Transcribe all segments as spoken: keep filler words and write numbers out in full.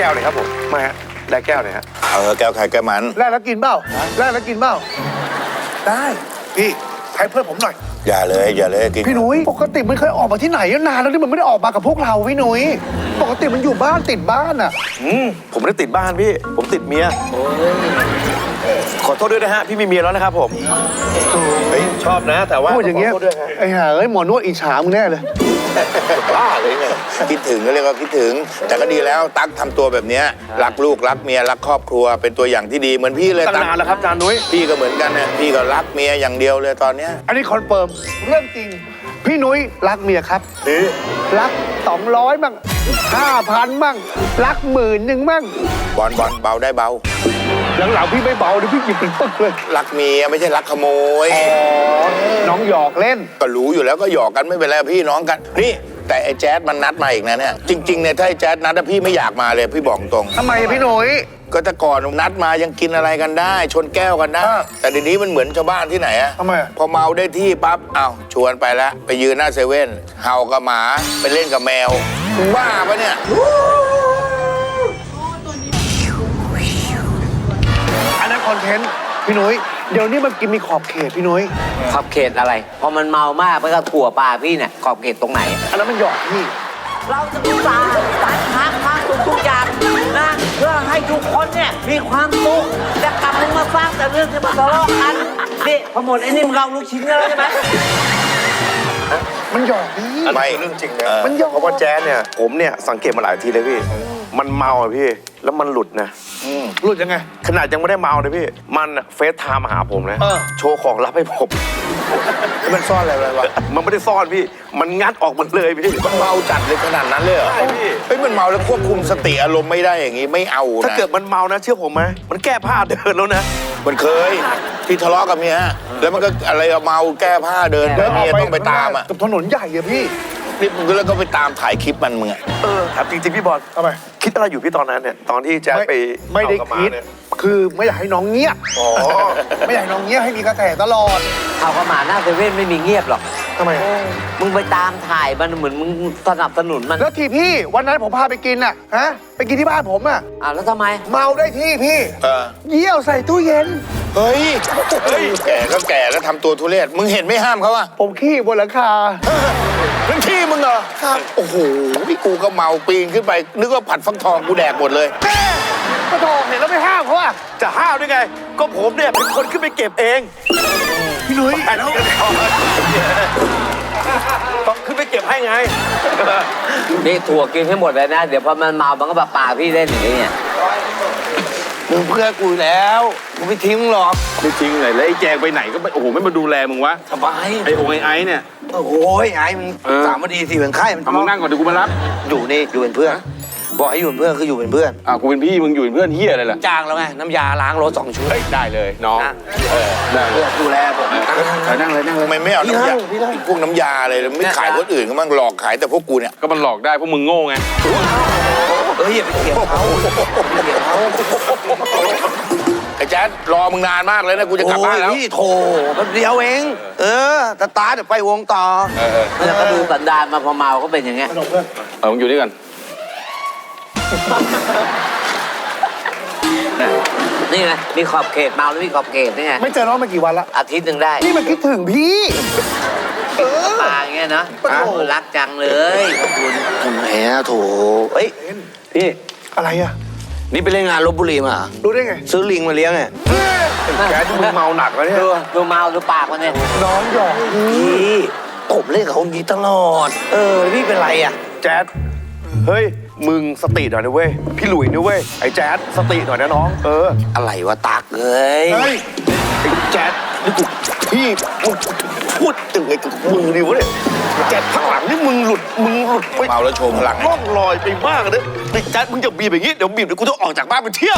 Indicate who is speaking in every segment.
Speaker 1: ก้วเลยครับผมมาฮะแลกแก้วเลยฮะ
Speaker 2: เออแก้วไข่แก้วมัน
Speaker 3: แลกแล้วกินเปล่าแลกแล้วกินเปล่าได้พี่ให้เพื่อนผมหน่อย
Speaker 2: อย่าเลยอย่าเลยกิน
Speaker 3: พี่หนุ่ยปกติมันเคยออกมาที่ไหนนานแล้วที่มันไม่ได้ออกมากับพวกเราพี่หนุ่ยปกติมันอยู่บ้านติดบ้านอ่ะ
Speaker 1: อืมผมไม่ได้ติดบ้านพี่ผมติดเมียขอโทษด้วยนะฮะพี่มีเมียแล้วนะครับผมเฮ้ยชอบนะแต่ว่า
Speaker 3: พูดอย่างเงี้ยไอ้ห่าเอ้ยหมอนวดอิจฉามึงแน่เลย
Speaker 1: บ้าเลยไง
Speaker 2: คิดถึงก็เรียกว่าคิดถึงแต่ก็ดีแล้วตั๊กทำตัวแบบเนี้ยรักลูกรักเมียรักครอบครัวเป็นตัวอย่างที่ดีเหมือนพี่เลย
Speaker 1: ตั้งนานแล้วครับจานนุ้ย
Speaker 2: พี่ก็เหมือนกันเนี่ยพี่ก็รักเมียอย่างเดียวเลยตอนเนี้ย
Speaker 3: อันนี้คอนเฟิร์มเรื่องจริงพี่นุ้ยรักเมียครับรักสองร้อยมั่งห้าพันมั่งรักหมื่นหนึ่งมั่ง
Speaker 2: บอลบอลเบาได้เบา
Speaker 3: หลังๆพี่ไม่เบาเลยพี่หยิบเป็นปึ๊กเลย
Speaker 2: รักเมียไม่ใช่รักขโมย
Speaker 3: อ๋อน้องหยอกเล่น
Speaker 2: ก็รู้อยู่แล้วก็หยอกกันไม่เป็นไรพี่น้องกันนี่แต่ไอ้แจ๊ดมันนัดมาอีกนะเนี่ยจริงๆเนี่ยถ้าไอ้แจ๊ดนัดพี่ไม่อยากมาเลยพี่บอกตรง
Speaker 3: ทำไมพี่นุ้ย
Speaker 2: ก็แต่ก่อนนัดมายังกินอะไรกันได้ชนแก้วกันได้แต่เดี๋ยวนี้มันเหมือนชาวบ้านที่ไหนอะ
Speaker 3: ทำไม
Speaker 2: พอเมาได้ที่ปั๊บอ้าวชวนไปแล้วไปยืนหน้าเซเว่นเห่ากับหมาไปเล่นกับแมวบ้าปะเนี่ย
Speaker 3: อันนั้นคอนเทนต์พี่นุ้ยเดี๋ยวนี้มันกินมีขอบเขตพี่นุ้ย
Speaker 4: ขอบเขตอะไรพอมันเมามากมันก็ถั่วปลาพี่เนี่ยขอบเขตตรงไหน
Speaker 3: อันนั้นมันหยอกพี่
Speaker 4: เราจะอุตส่าห์ตัดพักพักทุกอย่างนะเพื่อให้ทุกคนเนี่ยมีความสุขจะกลับมาสร้างแต่เรื่องที่มันทะเลาะกันนี่พอหมดไอ้นี่มึงเราลูกชิ้นกันแล้วใช่ไหม
Speaker 3: มันหยอกพี่
Speaker 1: ไม่เรื่องจริงนะมันหยอกเพราะว่าแจ๊สเนี่ยผมเนี่ยสังเกตมาหลายทีเลยพี่มันเมาอะพี่แล้วมันหลุดนะ
Speaker 3: หลุดยังไง
Speaker 1: ขนาดยังไม่ได้เมาเลยพี่มันเฟซไทม์มาหาผมนะโชว์ของลับให้ผม
Speaker 2: มันซ่อนอะไรไว้วะ
Speaker 1: มันไม่ได้ซ่อนพี่มันงัดออกมันเลยพี่
Speaker 2: มันเมาจัดเลยขนาดนั้นเลยเหรอ
Speaker 1: ใช่พี่
Speaker 2: เฮ้ยมันเมาแล้วควบคุมสติอารมณ์ไม่ได้อย่างงี้ไม่เอานะ
Speaker 1: ถ้าเกิดมันเมานะเชื่อผมไหมมันแก้ผ้าเดินแล้วนะ
Speaker 2: มันเคยที่ทะเลาะกับเมียแล้วมันก็อะไรเมาแก้ผ้าเดินแล้วเมียต้องไปตามอ่ะ
Speaker 3: กับถนนใหญ่อะพี่
Speaker 2: นี่มึงก็แล้วก็ไปตามถ่ายคลิปมันมึงอ่ะ
Speaker 1: เออถามจริงๆพี่บอล
Speaker 3: ทำไม
Speaker 1: คิดอะไรอยู่พี่ตอนนั้นเนี่ยตอนที่แจ๊คไป
Speaker 3: ไม่ได้คิดคือไม่อยากให้น้องเงียบอ๋อไม่อยากให้น้องเงียบให้มีกระแสตลอด
Speaker 4: ข่าวกระหม่าหน้าเซเว่นไม่มีเงียบหรอก
Speaker 3: ทำไม
Speaker 4: มึงไปตามถ่ายมันเหมือนมึงสนับสนุนมัน
Speaker 3: แล้วที่พี่วันนั้นผมพาไปกินอ่ะฮะไปกินที่บ้านผมอ่ะ
Speaker 4: อ่าแล้วทำไม
Speaker 3: เมาได้ที่พี่เยี่ยวใส่ตู้เย็น
Speaker 2: เฮ้ยเฮ้ยแก่ก็แก่แล้วทำตัวทุเรศมึงเห็นไม่ห้ามเขาอ่ะ
Speaker 3: ผมขี้บนหลังคา
Speaker 2: นั่นขี้มึงเหรอครับโอ้โหพี่กูก็เมาปีนขึ้นไปนึกว่าผัดฟักทองกูแดกหมดเลย
Speaker 3: แม่ฟักทองเห็นแล้วไม่ห้ามเขาอ่ะ
Speaker 1: จะห้ามได้ไงก็ผมเนี่ยเป็นคนขึ้นไปเก็บเอง
Speaker 3: พี่นุ้ย
Speaker 1: แล้วต้องขึ้นไปเก็บให้ไง
Speaker 4: นี่ถั่วกินให้หมดเลยนะเดี๋ยวพอมันเมามันก็แบบปาพี่เล่นอย่างนี้เนี่ย
Speaker 2: มึงเพื่อกูแล้วกูไม่ทิ้งหรอก
Speaker 1: ไม่ทิ้งเลยแล้วไอ้แจงไปไหนก็ไม่โอ้โหไม่มาดูแลมึงวะ
Speaker 2: สบาย
Speaker 1: ไอ้โอ้ไอ้ไอ้เนี่ย
Speaker 2: โอ้โหไอ้มึงสามวันดีสี่วันไข้มัน
Speaker 1: มึงนั่งก่อนเดี๋ยวกูมารับ
Speaker 2: อยู่นี่อยู่เป็นเพื่อนบอกให้อยู่เป็นเพื่อนคืออยู่เป็นเพื่อน
Speaker 1: อ่ะกูเป็นพี่มึงอยู่เป็นเพื่อนเฮียอะไรล่ะ
Speaker 2: จ้างแล้วไงน้ำยาล้างรถสองชุด
Speaker 1: ได้เลยน้อง
Speaker 2: เออได้ดูแลผมนั่งเลยนั่งเลยไม่ไม่เอาน้ำยาพวกน้ำยาอะไรไม่ขายคนอื่นก็มั่งหลอกขายแต่พวกกูเนี่ย
Speaker 1: ก็มันหลอกได้พวกมึงโง่ไง
Speaker 2: เฮ้ยอย่าไปเถียงเขาเถียงเขาไอ้แจ๊ดรอมึงนานมากเลยนะกูจะกลับบ้านแล้วพี่โถแป๊บเดียวเองเออตาตาเดี๋ยวไปวงต่อ
Speaker 4: แล้วก็ดูสันดานมาพอเมาก็เป็นอย่างเงี้ย
Speaker 1: เออมึงอยู่ด้วยกัน
Speaker 4: นี่ไงมีขอบเขตเมาแล้วมีขอบเขตนี่ไง
Speaker 3: ไม่เจอน้องมากี่วันละ
Speaker 4: อาทิตย์หนึ่งได้
Speaker 3: นี่มันคิดถึงพี่
Speaker 4: เออมาอย่างเงี้ยนะรักจังเลยขอบคุณ
Speaker 2: แหมโถเฮ้ยพี่
Speaker 3: อะไรอ่ะ
Speaker 2: นี่ไปเล่นงานลพบุรีมา
Speaker 3: รู้ได้ไง
Speaker 2: ซื้อลิงมาเลี้ยงไง
Speaker 1: แกที่มึงเมาหนักแล้วเนี่ย
Speaker 4: ดูดูเมาดูปากมันเนี่ย
Speaker 3: น้องหยอก
Speaker 2: พี่ผมเล่นกับคนนี้ตลอดเออพี่เป็นไรอ่ะ
Speaker 1: แจ๊ดเฮ้ยมึงสติหน่อยนะเว้ยพี่หลุยนะเว้ยไอ้แจ๊ดสติหน่อยนะน้องเออ
Speaker 2: อะไรวะตักเอ้ย
Speaker 1: ไอ้แจ๊ดนี่กูพี่พูดถึงไอ้กับมึงดิวะเนี่ยแจ๊ดพักหลังนี่มึงหลุดมึงหลุด
Speaker 2: ไปเมาแล้วโชว์พลัง
Speaker 1: ล่องลอยไปมากเลยไอ้แจ๊ดมึงจะบีบอย่างงี้เดี๋ยวบีบเดี๋ยวกูต้องออกจากบ้านไปเที่ยว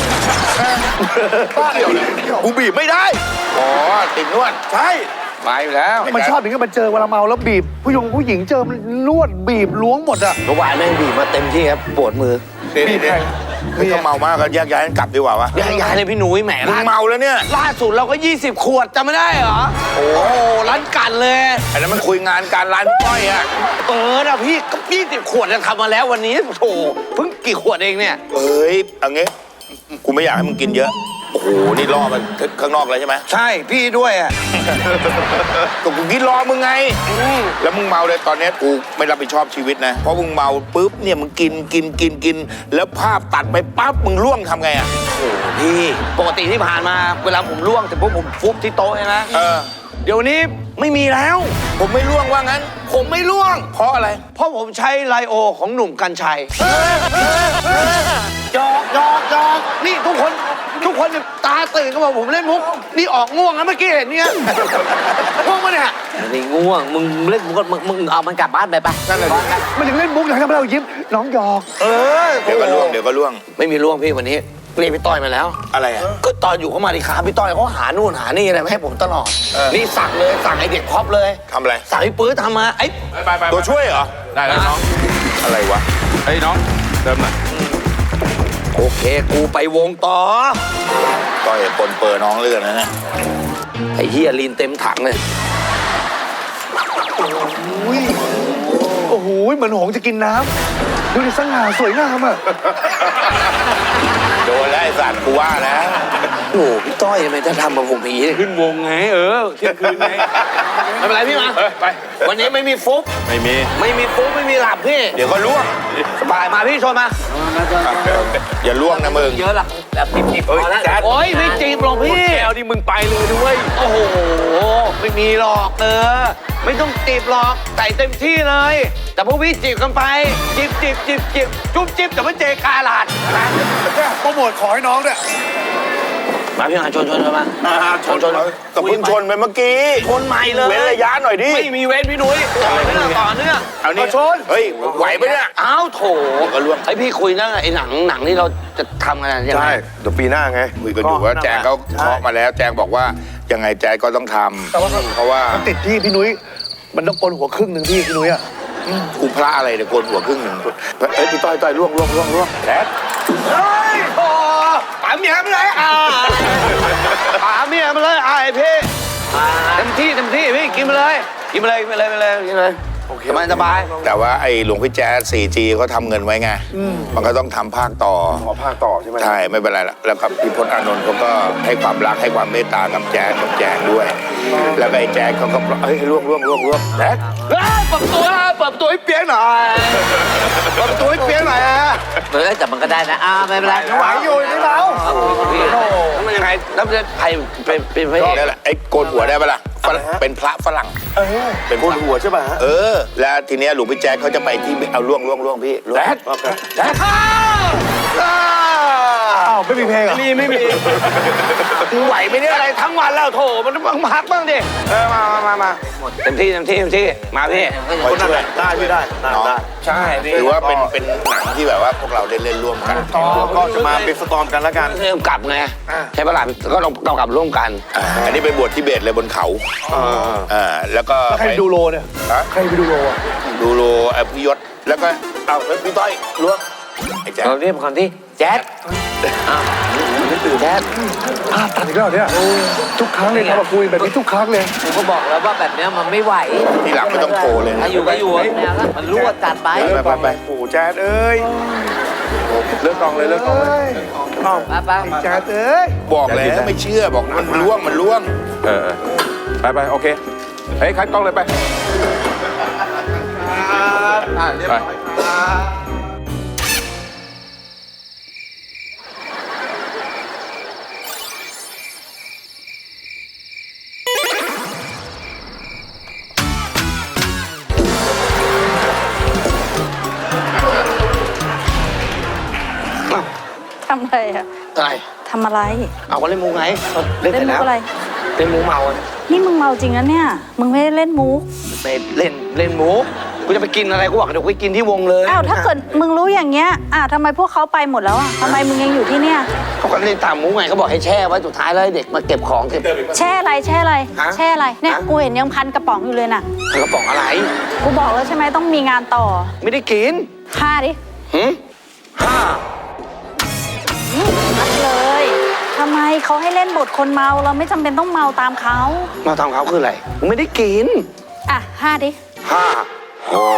Speaker 3: เที่ยวเลย
Speaker 1: กูบีบไม่ได้
Speaker 2: อ๋อติดนวด
Speaker 1: ใช่
Speaker 2: ไปแล้ว
Speaker 3: มันชอบอย่างนี้มันเจอเวลาเมาแล้วบีบผู้หญิงผู้หญิงเจอมันนวดบีบล้วงหมดอ่ะ
Speaker 2: เมื่อวานแม่งบีบมาเต็มที่ครับปวดมือ
Speaker 3: บีบใคร
Speaker 2: คือถ้าเมามากก็แยกย้ายกันกลับดีกว่าวะ
Speaker 5: ย้ายย้ายเลยพี่หนุ่ยแหม
Speaker 2: มึง
Speaker 5: ล่า
Speaker 2: เมาแล้วเนี่ย
Speaker 5: ล่าสุดเราก็ยี่สิบขวดจำไม่ได้เหรอ โอ้โหร้านกันเลย
Speaker 2: อันนั้นมันคุยงานการร้านพี่ต้อยอะ
Speaker 5: เออนะพี่ก็ยี่สิบขวดจะทำมาแล้ววันนี้โอ้โหเพิ่งกี่ขวดเองเนี่ย
Speaker 2: เอ้ยเอางี้กูไม่อยากให้มึงกินเยอะโอ้โหนี่ล่อมันข้างนอกเลยใช่ไหม
Speaker 5: ใช่พี่ด้วยอ่ะ
Speaker 2: ก็กูกินรอมึงไง แล้วมึงเมาเลยตอนเนี้ยกูไม่รับผิดชอบชีวิตนะ เพราะมึงเมาปุ๊บเนี่ยมึงกินกินกินกิน แล้วภาพตัดไปปั๊บมึงร่วงทำไงอ่ะ
Speaker 5: โอ้โหพี่ปกติที่ผ่านมาเวลาผมล่วงแต่พวกผมฟุบที่โต๊ะใช่ไหม
Speaker 2: เออ
Speaker 5: เดี๋ยวนี้ไม่มีแล้ว
Speaker 2: ผมไม่ร่วงว่างั้น
Speaker 5: ผมไม่ล่วง
Speaker 2: เพราะอะไร
Speaker 5: เพราะผมใช้ไลโอของหนุ่มกัญชัย
Speaker 3: จอกจอกจอก
Speaker 5: นี่ทุกคนทุกคนเนี่ยตาตื่นก็บอกผมเล่นมุก นี่ออกง่วงแล้วเมื่อกี้เห็นเนี่ยง่วงปะเนี่ย
Speaker 4: นี่ง่วง มึงเล่นมึงก็มึงมึงเอามันกลับบ้านไปปะ
Speaker 2: นั่นแหละ
Speaker 3: มันถึงเล่นมุกอยากให้เรายิ้มน้องหยอก
Speaker 5: เออ
Speaker 2: เดี๋ยวก็ร่วงเดี๋ยวก็ร่วง
Speaker 5: ไม่มีล่วงพี่วันนี้เรียกพี่ต้อยมาแล้ว
Speaker 2: อะไรอ่ะ
Speaker 5: ก็ตอนอยู่เขามาดิครับพี่ต้อยเขาหานู่นหานี่อะไรมาให้ผมตลอด
Speaker 2: เออ
Speaker 5: นี่สั่งเลยสั่งไอเด็กพร็อปเลย
Speaker 2: ทำอะไร
Speaker 5: สั่งพี่ปื้อทำมาไอ้
Speaker 6: ไปไป
Speaker 2: ตัวช่วยเหรอ
Speaker 6: ได้แล้วน้อง
Speaker 2: อะไรวะ
Speaker 6: เฮ้ยน้อง เดิมหน่อย
Speaker 5: โอเคกูไปวงต่อ
Speaker 2: ต้อยปนเปื้อน้องเลือดนะเนี่ย
Speaker 5: ไอ้เฮียลีนเต็มถังเลย
Speaker 3: โอ้โหเหมือนหงส์จะกินน้ำดูดิสง่าสวยงามอ่ะ
Speaker 2: โดนแล้วไอ้สัตว์กูว่าแล้ว
Speaker 5: โอ้โหพี่ต้อยทำไมจะทำกับผมอย่างนี้
Speaker 6: ขึ้นวงไง เออเที่ยงคืนไง
Speaker 5: ไม่เป็นไรพี่มา
Speaker 6: เออไป
Speaker 5: วันนี้ไม่มีฟุบ
Speaker 6: ไม่มี
Speaker 5: ไม่มีฟุบไม่มีหลับพี่
Speaker 2: เดี๋ยวก็ร่วง
Speaker 5: สบายมาพี่ชนมา
Speaker 2: อย่าร่วงนะมึง
Speaker 4: เยอะหลักแบบจิบๆพอแล้ว
Speaker 5: โอ้ยไม่จีบหรอกพี่
Speaker 6: แก้วที่มึงไปเลยด้วย
Speaker 5: โอ้โห ไม่มีหรอกเออ ไม่ต้องจีบหรอกใส่เต็มที่เลย แต่พวกพี่จีบกันไป จีบจีบจีบจีบจุ๊บจิ๊บแต่ไม่เจกาลาดนะ
Speaker 3: โปรโมทขอให้น้องด้วย
Speaker 5: มาพี่มาชนชนชนมาชนชน
Speaker 2: กับเพิ่งชนไปเมื่อกี้
Speaker 5: ชนใหม่เลย
Speaker 2: เว้นระยะหน่อยดิ
Speaker 5: ไม่มีเว้นพี่หนุ่ยต่อเนื่องต่อเนื่อง
Speaker 2: เอานี่
Speaker 5: ชน
Speaker 2: เฮ้ยไหวไหมเนี่ย
Speaker 5: อ้าวโถ
Speaker 2: เดี๋ยวก็ร่วง
Speaker 5: ไอพี่คุยเรื่องไอ้หนังหนังที่เราจะทำกันยังไง
Speaker 1: ใช่เดี๋ยวปีหน้าไง
Speaker 2: คุยกันอยู่ว่าแจงเขาเคาะมาแล้ว แจงบอกว่ายังไงแจงก็ต้องทำเพราะว่า
Speaker 3: มันติดที่พี่นุ้ยมันต้องโกนหัวครึ่งหนึ่งพี่พี่นุ้ยอ่ะ
Speaker 2: กูพระอะไรเดี๋ยวโกนหัวครึ่งหนึ่งเอ้ยพี่ต้อยต้อยร่วงร่วงร่วงร่วงแท็ก
Speaker 5: เฮ้ยโอ้ป๋าเมียมาเลยอ่าป๋าเมียมาเลยอ่าไอพี่เต็มที่เต็มที่พี่กินมาเลยกินมาเลยกินมาเลยกินมาเลยกินมาเลยโอเคสบายสบาย
Speaker 2: แต่ว่าไอ้หลวงพี่แจ๊ส โฟร์จี เขาทำเงินไว้ไงมันก็ต้องทำภาคต่อ
Speaker 1: ขอภาคต่อใช่ไหม
Speaker 2: ใช่ไม่เป็นไรละแล้วกับพี่พจน์อานนท์เขาก็ให้ความรักให้ความเมตตากับแจ๊สกับแจงด้วย แล้วก็ไอ้แจ๊สเขาก็เฮ้ยร่วงร่วงร่วงร่วงแท็ก
Speaker 5: เฮ้ยเปิดประตูนะเปิดประตูให้เปียกหน่อยเปิดประตูให้เปียกหน่อยนะ
Speaker 4: เออแต่มันก็ได้นะอ่าไม่เป็นไร
Speaker 3: ไหวอยู่นี่เรา
Speaker 5: พี่แล้วมันยังไงแล้วมันจะใครเป็นเป็นพระเอก
Speaker 2: นั่นแหละไอ้โกนหัวได้ปะล่ะฝรั่งเป็นพระฝรั่ง
Speaker 1: เป็นโกนหัวใช่ป่ะฮะ
Speaker 2: เออ แล้วทีเนี้ยหลวงพี่แจ๊คเขาจะไปที่เอาล่วงล่วงล่วงพี่ล่วง
Speaker 5: แจ๊ดแจ๊ดอ้าวอ้าว
Speaker 3: อ้าวไม่มีเพลงเหรอ
Speaker 5: ไม่มีไม่มีมึงไหวไหมเนี่ยอะไรทั้งวันแล้วโถมันต้องพักบ้างดิเออมามามามาเต็มที่เต็มที่เต็มที่มาพี่
Speaker 2: คอยช่วย
Speaker 1: ได้พี่ได้ได้
Speaker 2: เนาะ
Speaker 1: ได้
Speaker 5: ใช่พี่
Speaker 2: ถือว่าเป็นเป็นหนังที่แบบว่าพวกเราได้เล่นร่วมกัน
Speaker 1: ก็จะมาเป็นสตอมกันแล้วกัน
Speaker 5: เริ่มกลับไงใช่ปะล่ะก็ต้องต้องกลับร่วมกัน
Speaker 2: อ่าอันนี้ไปบวชที่เบสเลยบนเขาอ่าแล้วก็
Speaker 3: ใครไปดูโลเนี่ย
Speaker 2: ฮะ
Speaker 3: ใครไปดูโลอ่ะ
Speaker 2: ดูโลไอ้พี่ยศแล้วก็เอาเฮ้ยพี่ต้อยล่วงไอ้แจ๊ค
Speaker 4: เราเรียกคนที่แจ๊ดอ้าวไม่ตื่นแจ๊ด
Speaker 3: ภาพตัดอีกแล้วเหรอเนี่ยทุกครั้งเลยทำกับคุยแบบนี้ทุกครั้งเลย
Speaker 4: ผมก็บอกแล้วว่าแบบเนี้ยมันไม่ไหว
Speaker 2: ทีหลังไม่ต้องโทรเลย
Speaker 4: ถ้าอยู่ก็อยู่แนวแล้วมันรั่วจัดไป
Speaker 2: ไปไปไป
Speaker 1: โอ้โหแจ๊ดเอ้ยเลิกกองเลยเลิกกองเลย
Speaker 4: ไปไป
Speaker 3: แจ๊ดเอ้ย
Speaker 2: บอกแล้วไม่เชื่อบอกมันล่วงมันล่วง
Speaker 6: เออเออไปไปโอเค เฮ้ยคัดกล้องเลยไปไป
Speaker 7: ทำอะไรอะ
Speaker 5: อะไร
Speaker 7: ทำอะไร
Speaker 5: เอาก็เล่นมุกไงเล่น
Speaker 7: เล่
Speaker 5: เส
Speaker 7: น
Speaker 5: ร็จ
Speaker 7: มุ
Speaker 5: แล้ว
Speaker 7: กอะไร
Speaker 5: เล่นมุกเมา
Speaker 7: นี่มึงเมาจริงนะเนี่ย มึงไม่ได้เล่นมุก
Speaker 5: ไปเล่นเล่นมุกกูจะไปกินอะไรกูบอกเดี๋ยวไปกินที่วงเลย
Speaker 7: อ้าว ถ้าเกิดมึงรู้อย่างเงี้ยอ่าทำไมพวกเขาไปหมดแล้วอ่ะทำไมมึงยังอยู่ที่เนี่ย
Speaker 5: เขาก็เล่นตามมุกไงเขาบอกให้แช่ไว้สุดท้ายแล้วให้เด็กมาเก็บของเก็บ
Speaker 7: แช่อะไร แช่อะไร
Speaker 5: ฮะ
Speaker 7: แช่อะไร เนี่ย
Speaker 5: ฮะ
Speaker 7: กูเห็นยังพันกระป๋องอยู่เลยน่ะ
Speaker 5: กระป๋องอะไร
Speaker 7: กูบอกแล้วใช่ไหมต้องมีงานต่อ
Speaker 5: ไม่ได้กิน
Speaker 7: ค่าดิ
Speaker 5: หืมห้า
Speaker 7: ชัดเลยทำไมเขาให้เล่นบทคนเมาเราไม่จำเป็นต้องเมาตามเขา
Speaker 2: มาทำเขาคืออะไรกูไม่ได้กิน
Speaker 7: อ่ะห้าดิ
Speaker 2: ห้าโอ้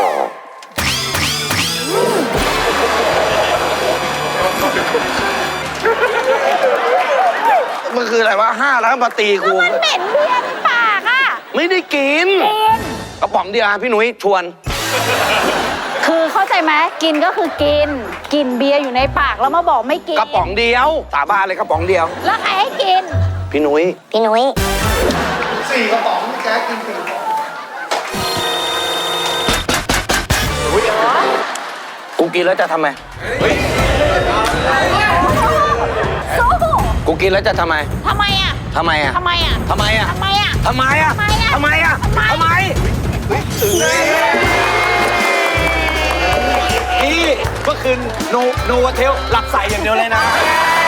Speaker 2: มันคืออะไรวะห้าแล้วมาตีกู
Speaker 7: มันเหม็นเบียร์ในปากอ่ะ
Speaker 2: ไม่ได้กิน
Speaker 7: กิน
Speaker 2: กระป๋องเดียวอ่ะพี่หนุ่ยชวน
Speaker 7: คือเข้าใจไหมกินก็คือกิน กินเบียร์อยู่ในปากแล้วมาบอกไม่กิน
Speaker 2: กระป๋องเดียวสาบานเลยกระป๋องเดียว
Speaker 7: แล้วใครให้กิน
Speaker 2: พี่หนุ่ย
Speaker 7: พี่นุ้ย
Speaker 3: สี่กระป๋องแจ๊คกินสี่กระป๋อง
Speaker 2: กูกินแล้วจะทำไม
Speaker 7: สู้
Speaker 2: กูกินแล้วจะทำไม
Speaker 7: ทำไมอ่ะ
Speaker 2: ทำไมอ่ะ
Speaker 7: ทำไมอ่ะ
Speaker 2: ทำไมอ่ะ
Speaker 7: ทำไมอ่ะ
Speaker 2: ทำไมอ่ะ
Speaker 7: ทำไมอ่ะ
Speaker 2: ทำไมอ่ะ
Speaker 7: ทำไม
Speaker 2: ทำไมนี่เมื่อคืนโนโนวาเทลหลับใส่อย่างเดียวเลยนะ